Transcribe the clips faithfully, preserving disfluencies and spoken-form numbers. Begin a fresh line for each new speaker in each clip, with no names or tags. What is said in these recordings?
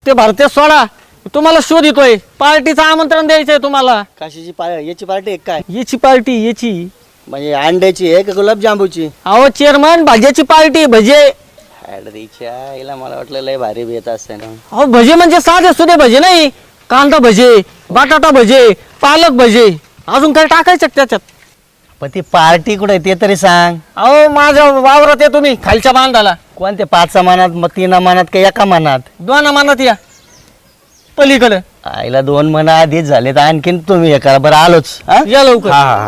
ते भरते सोडा, तुम्हाला शोध येतोय. पार्टीचं आमंत्रण द्यायचंय तुम्हाला.
कशाची पा याची पार्टी आहे काय?
याची पार्टी याची
म्हणजे अंड्याची आहे का गुलाबजांबूची?
अहो चेअरमन, भाज्याची पार्टी. भजे.
ऍडरीच्या हिला मला वाटलं लय भारी बेत असते ना.
अहो भजे म्हणजे साधे सुधे भजे नाही. कांदा भजे, बटाटा भजे, पालक भजे, अजून काय टाकायचं त्याच्यात?
पण ती पार्टी कुठे ते तरी सांग.
अहो माझ्या वावरात आहे तुम्ही, खालच्या बांधाला.
कोणत्या पाच मानात, मग तीन मानात का एका मानात?
दोन मानात या पलीकडे.
आईला दोन मन आधीच झाले तर आणखीन तुम्ही हे करा. बरं आलोच. हा?
या लवकर.
हा हा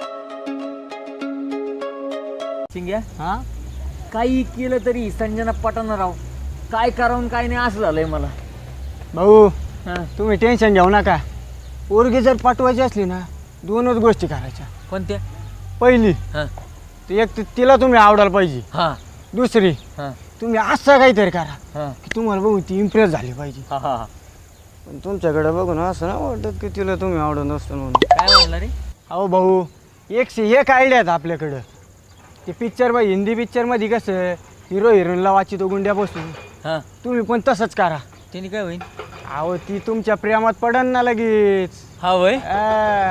चिंग्या हा काही केलं तरी संजना पटाना राव. काय करावं काय नाही असं झालंय मला.
भाऊ
हा.
तुम्ही टेन्शन घेऊ नका. पोरगी जर पाठवायची असली ना, दोनच गोष्टी करायच्या.
कोणत्या?
पहिली,
हा
ती एक तर तिला तुम्ही आवडायला पाहिजे.
हा
दुसरी,
हा
तुम्ही असं काहीतरी करा
हा
की तुम्हाला बघून ती इम्प्रेस झाली पाहिजे.
हा हा.
पण तुमच्याकडे बघून असं ना वाटत की तिला तुम्ही आवडत नसतं म्हणून.
काय म्हणला रे?
अहो भाऊ, एकशे एक आयडिया आहेत आपल्याकडं. ते पिक्चर बाई हिंदी पिक्चरमध्ये कसं हिरो हिरोईनला वाचितो गुंड्या बसून,
हा
तुम्ही पण तसंच करा.
त्याने काय होईल?
अहो ती तुमच्या प्रेमात पडन ना लगेच.
हा वय.
आ.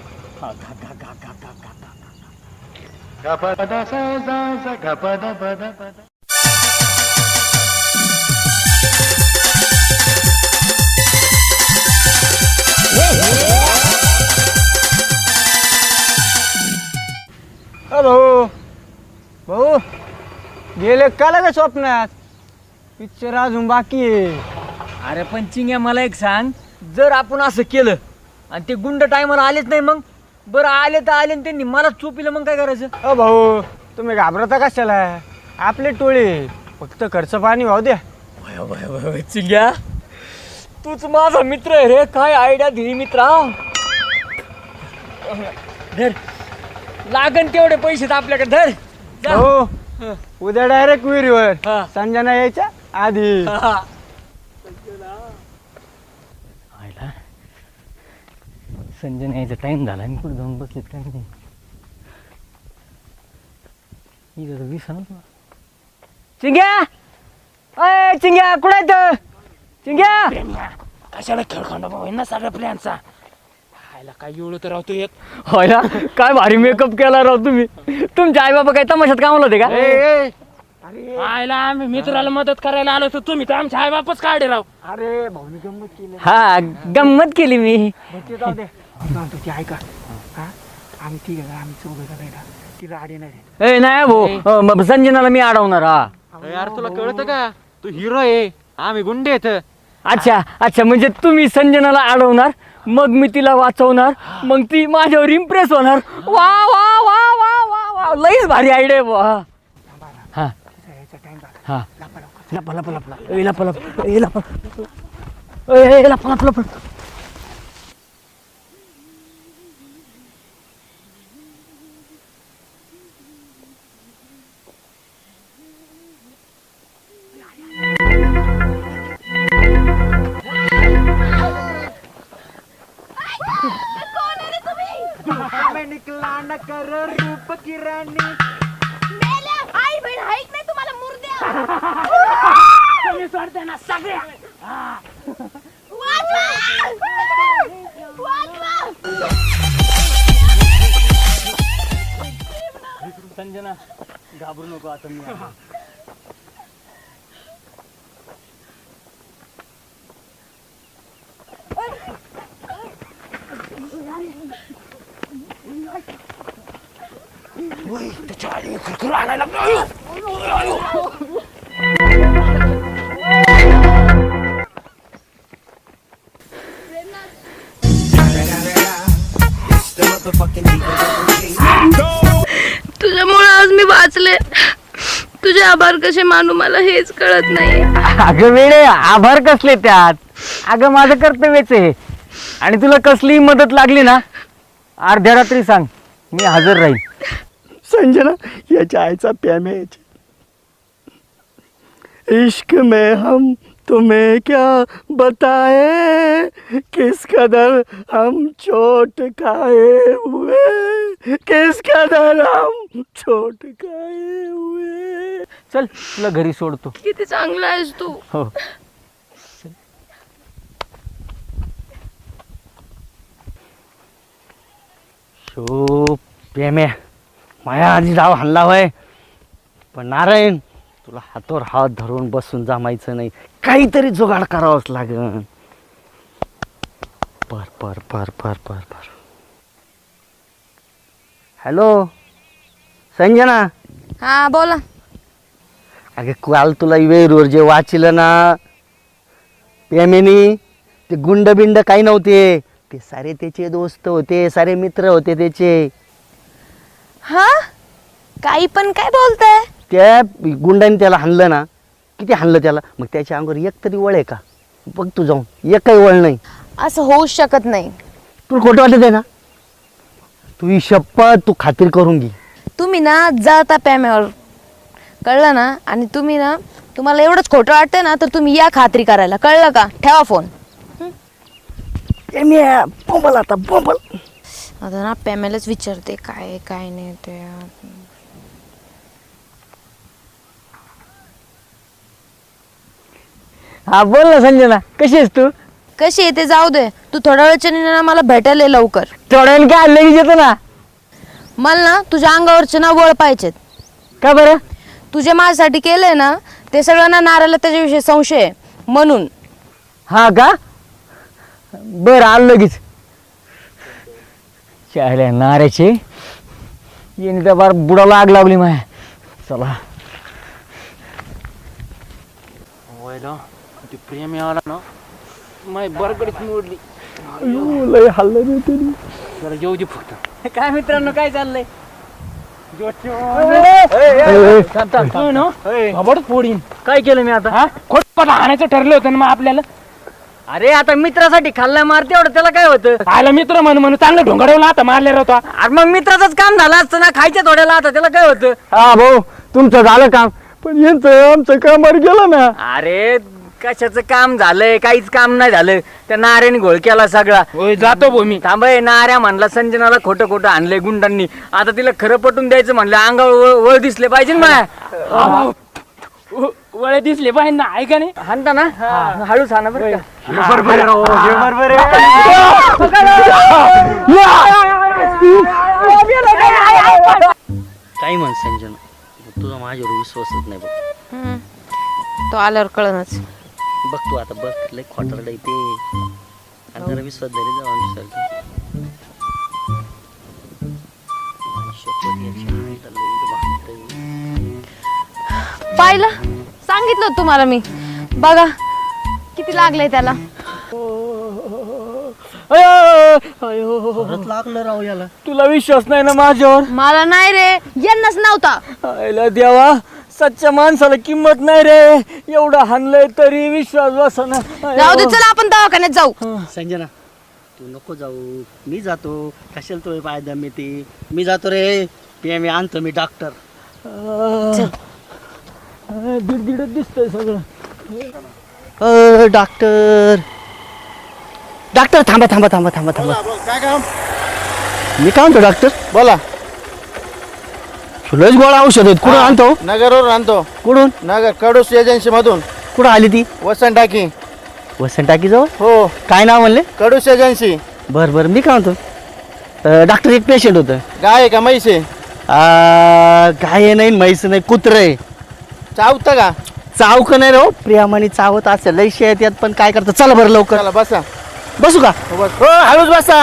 अ भाऊ भाऊ गेले का लगे स्वप्नात? पिक्चर अजून बाकी आहे.
अरे पण चिंग्या मला एक सांग, जर आपण असं केलं आणि ते गुंड टायमाला आलेच नाही, मग बरं आले तर आले आणि त्यांनी मला चोपिलं, मग काय करायचं?
अ भाऊ तुम्ही घाबरता कशाला? आपले टोळे, फक्त खर्च पाणी वाहू द्या.
वय वय वय वय चिंग्या, तूच माझा मित्र आहे रे. काय आयडिया दिली मित्रा. धर, लागन तेवढे पैसे तर आपल्याकडे. धर जा.
हो, उद्या डायरेक्ट विहिरीवर.
हा.
संजना यायच्या आधी.
हा.
आयला संजय यायचा टाइम झाला. मी कुठे जाऊन बसले काय नाही. चिंग्या, अय चिंग्या कुठे येत? चिंग्या
कशाला खेळखंडा भाऊ ना सगळ्या प्लॅनचा. खायला काय एवढं तर राहतो एक.
होय ना, काय भारी मेकअप केला राव तुम्ही. तुमचे आई बाबा काय तमाशात कामाला होते का?
ए, ए,
आयला आम्ही मित्राला मदत करायला आलो तर तुम्ही तर आमच्या आई बापच काढे राव.
अरे भाऊनी गंमत केली.
हा गंमत केली मी.
बरं ते जाऊ दे. सांगतो ती ऐका. हा, आम्ही ठीक आहे, आम्ही चौघ जण का तिला आडी नाही देत.
ए नाही भाऊ, मग संजनाला मी अडवणार. हा
यार तुला कळतं का, तू हिरो आहे, आम्ही गुंडे आहेत.
अच्छा अच्छा, म्हणजे तुम्ही संजनाला अडवणार, मग मी तिला वाचवणार, मग ती माझ्यावर इम्प्रेस होणार. वा वा वा वा वा वा, लईच भारी आयडिया आहे. वा हा
यायचा टाइम झाला.
हा, लपा लपा लपा ए लपा लपा ए लपा ए लपा लपा लपा.
निकला न कर रूप की राणी.
मेल्या आई बहीण हाईक नाही तुम्हाला मुर्द्या.
तुम्ही सोडते ना सगळे.
वाचवा! वाचवा!
संजना घाबरू नको, आता मी आहे.
तुझ्यामुळे आज मी वाचले. तुझे आभार कसे मानू मला हेच कळत नाही.
अगं वेळे, आभार कसले त्यात? अगं माझं कर्तव्यच आहे. आणि तुला कसलीही मदत लागली ना, अर्ध्या रात्री सांग, मी हजर राहील.
संजना याच्या आईचा प्रेम आहे. इश्क में हम तुम्हें क्या बताए, किस कदर हम चोट खाए हुए, किस कदर हम चोट खाए हुए.
चल तुला घरी सोडतो.
किती चांगला आहेस तू.
हो.
शो प्रेम्या माया आधी डाव हल्ला होय, पण नारायण तुला हातावर हात धरून बसून जमायचं नाही, काहीतरी जुगाड करावंच लागेल. पर पर पर पर पर पर हॅलो संजना.
हा बोला.
अगे काल तुला वेरूर जे वाचिलं ना प्रेमेनी, ते गुंड बिंड काही नव्हते, ते सारे त्याचे दोस्त होते, सारे मित्र होते त्याचे.
हा काही पण काय बोलताय?
त्या गुंडाने त्याला हाणलं ना, किती हाणलं त्याला, मग त्याच्या अंगावर एक तरी वळ आहे का बघ तू जाऊन, एक काही वळ नाही.
असं होऊच शकत नाही.
तुला खोटं वाटत आहे ना? तू ही शपथ तू खात्री करून घे.
तुम्ही ना जाता प्याम्यावर, कळलं ना? आणि तुम्ही ना, तुम्हाला एवढंच खोटं वाटतं ना, तर तुम्ही या खात्री करायला, कळलं का? ठेवा फोन.
बोंबल आता बोंबल.
आता ना प्याम्यालाच विचारते काय काय नाही ते.
हा बोल ना संजना, कशी आहेस तू?
कशी आहे ते जाऊ दे, तू थोड्या वेळच्या ना मला भेटायला ये लवकर.
थोड्याने काय लगेच येतो ना.
मला ना तुझ्या अंगावरचे ना वळ पाहिजेत.
का बरं?
तुझे माझ्यासाठी केलंय ना ते सगळं ना, नारायला त्याच्याविषयी संशय आहे म्हणून.
हा का? बरं आलं लगेच. चायला नाऱ्याचे येणे तर बार बुडाला आग लावली माय. चला
ते प्रेम आला ना, माय बरकडीच मोडली.
लय हल्लं रे तरी.
जरा येऊ दे फक्त.
काय मित्रांनो काय चाललंय?
खबर फोडीन.
काय केलं मी आता?
हा खोटपट आणायचं ठरलं होतं ना मग आपल्याला.
अरे आता मित्रासाठी खाल्ला मारते एवढं, त्याला काय होतं?
आयला मित्र म्हणून म्हणून चांगलं ढोंगाडवला आता मारलेला होता.
अरे मग मित्राचंच काम झालं असतं ना, खायच्या थोड्याला आता त्याला काय होतं?
हा भाऊ तुमचं झालं काम, पण यांचं आमचं कामावर गेलं ना.
अरे कशाचं काम झालंय? काहीच काम नाही झालं. त्या नाऱ्याने घोळ केला सगळा.
होय जातो भो मी.
थांबय, नाऱ्या म्हणला संजनाला खोटं खोटं आणलंय गुंडांनी. आता तिला खरं पटून द्यायचं म्हणलं, अंगावर वळ- वळ दिसले पाहिजे ना.
वळे दिसले पाहिजे ना, ऐका नाही.
हाणता ना, हळूच हाना बरं का.
काही म्हण संजना, तुझा माझ्यावर विश्वासच नाही बघ.
हम्म. तो आल्यावर कळणच.
बघ तू आता बघ, लय खोटारडं आहे ते. आणि जरा विश्वास धरी जाऊ आमच्यासारखं. शपथ याची आईला लई वाटतंय.
पाहिलं, सांगितलं होतं तुम्हाला मी. बघा किती लागलंय त्याला.
परत लागलं राव याला.
तुला विश्वास नाही ना माझ्यावर?
मला नाही रे, यांनाच नव्हता.
आयला देवा, सच्च्या माणसाला किंमत नाही रे. एवढं हाणलंय तरी विश्वास बसना.
जाऊ दे, चला आपण दवाखान्यात जाऊ.
संजना तू नको जाऊ, मी जातो. कशाला तो पाय दम ते, मी जातो रे. ते मी आणतो मी डॉक्टर.
दीड दिसतंय सगळं.
अ डॉक्टर डॉक्टर थांबा थांबा थांबा थांबा थांबा.
काय काम?
मी काय म्हणतो डॉक्टर,
बोला.
लयच गोळा औषध आहेत. कुठून आणतो?
नगरवरून आणतो.
कुठून?
नगर कडूस एजन्सी मधून.
कुठं आली ती?
वसंत टाकी.
वसंत टाकी जवळ?
हो,
काय नाव म्हणले?
कडूस एजन्सी.
बरं बरं, मी काय म्हणतो, अ, डॉक्टर एक पेशंट होतं.
गाय आहे का म्हैस आहे?
आ, गाय नाही, म्हैस नाही, कुत्रं आहे.
चावतं का?
चावक नाही रे हो, प्रियामाने चावत असेल. लय शेत यात, पण काय करतं. चला बरं लवकर.
चला बसा.
बसू का?
हो, बस.
हो हळूच बसा.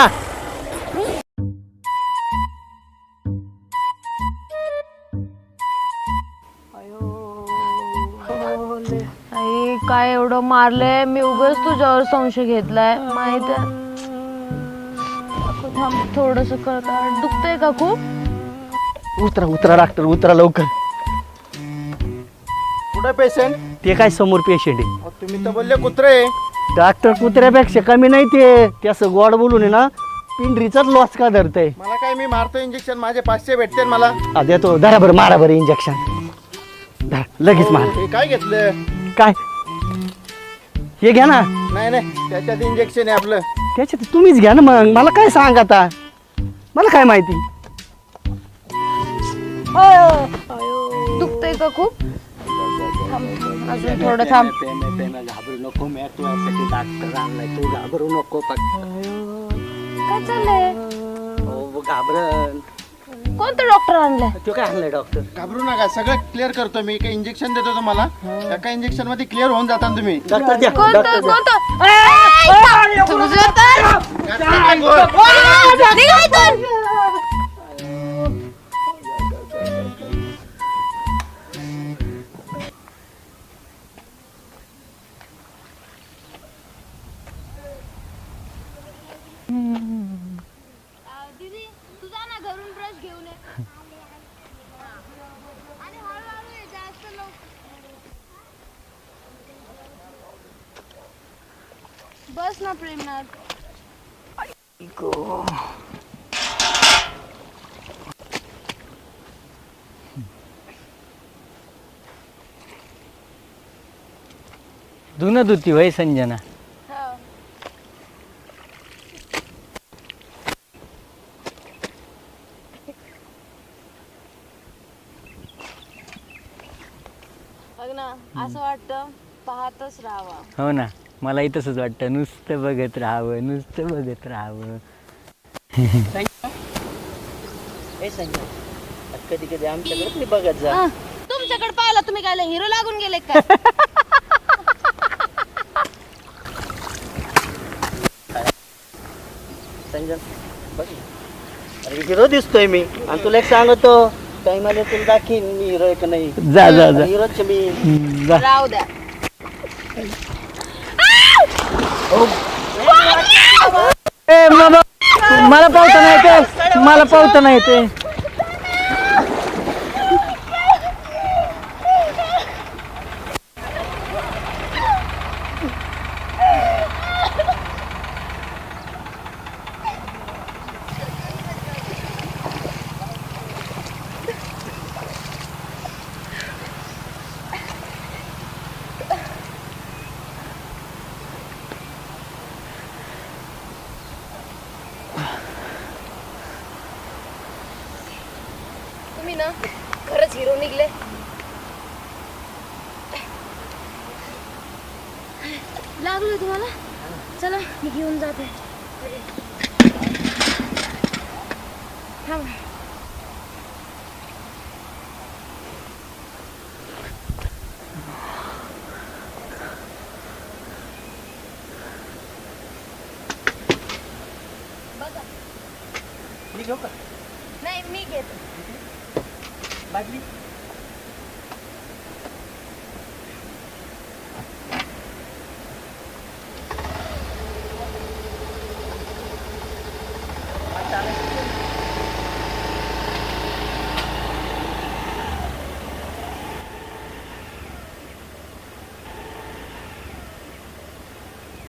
आई काय एवढं मारलंय मी, उगाच तुझ्यावर संशय घेतलाय माहित आहे. थांब थोडस करता. दुखतंय का खूप?
उतरा उतरा डॉक्टर, उतरा लवकर.
कुठं पेशंट?
ते काय समोर पेशंट आहे.
तुम्ही तर बोलले कुत्रे.
डॉक्टर कुत्र्यापेक्षा कमी नाही ते. ते असं गोड बोलून आहे ना, पिंडरीचाच लॉस का धरतय.
मला काय, मी मारतो इंजेक्शन, माझे पाचशे भेटते मला.
आ, देतो. धरा बरं, मारा बरं इंजेक्शन. धरा, लगेच मारा.
हे काय घेतलं?
काय हे घ्या ना.
नाही नाही, त्याच्यात इंजेक्शन आहे आपलं.
त्याच्यात तुम्हीच घ्या ना मग. मला काय सांग आता, मला काय माहिती.
दुखतंय का खूप? थांब, अजून थोडं थांब.
घाबरू नको, मी तुझ्यासाठी डॉक्टर आणलाय. तू घाबरू नको.
काय चाललंय?
घाबरण.
कोणतं डॉक्टर आणलंय?
तो काय आणलंय डॉक्टर?
घाबरू नका, सगळं क्लिअर करतो मी. काही इंजेक्शन देतो तुम्हाला, एका इंजेक्शन मध्ये क्लिअर होऊन जाता ना तुम्ही.
डॉक्टर द्या,
कोणतं
डॉक्टर द्या.
कोणतं ए, तुझं तर निघा इथून.
दीदी तू जा ना घरून ब्रश घेऊन ये आणि हळूहळू ये जास्त लवकर बस ना प्रेमनाथ.
धुणं धुती वय संजना.
बघ ना असं वाटतं पाहतच राहावा.
हो ना, मलाही तसंच वाटतं. नुसतं बघत राहावं, नुसतं बघत राहावं.
हे संजय, कधी कधी आमच्याकडे तरी बघत जा.
तुमच्याकडे पाहिलं तुम्ही काय हिरो लागून गेले काय?
संजय बघ ना. अरे हिरो दिसतोय मी, आणि तुला एक सांगतो, टाइम आले तुला दाखीन मी हिरो आहे का नाही.
जा जा जा.
हिरोच मी.
हम्म, जा.
राहू द्या.
ए बाबा, मला पावता नाही येते, मला पावता नाही येते.
तुम्ही ना खरंच हिरो निघले. लागलोय तुम्हाला? चला मी घेऊन जाते. थांबा.
मी घेऊ का
नाही मी घेते.
बाटली? चालेल.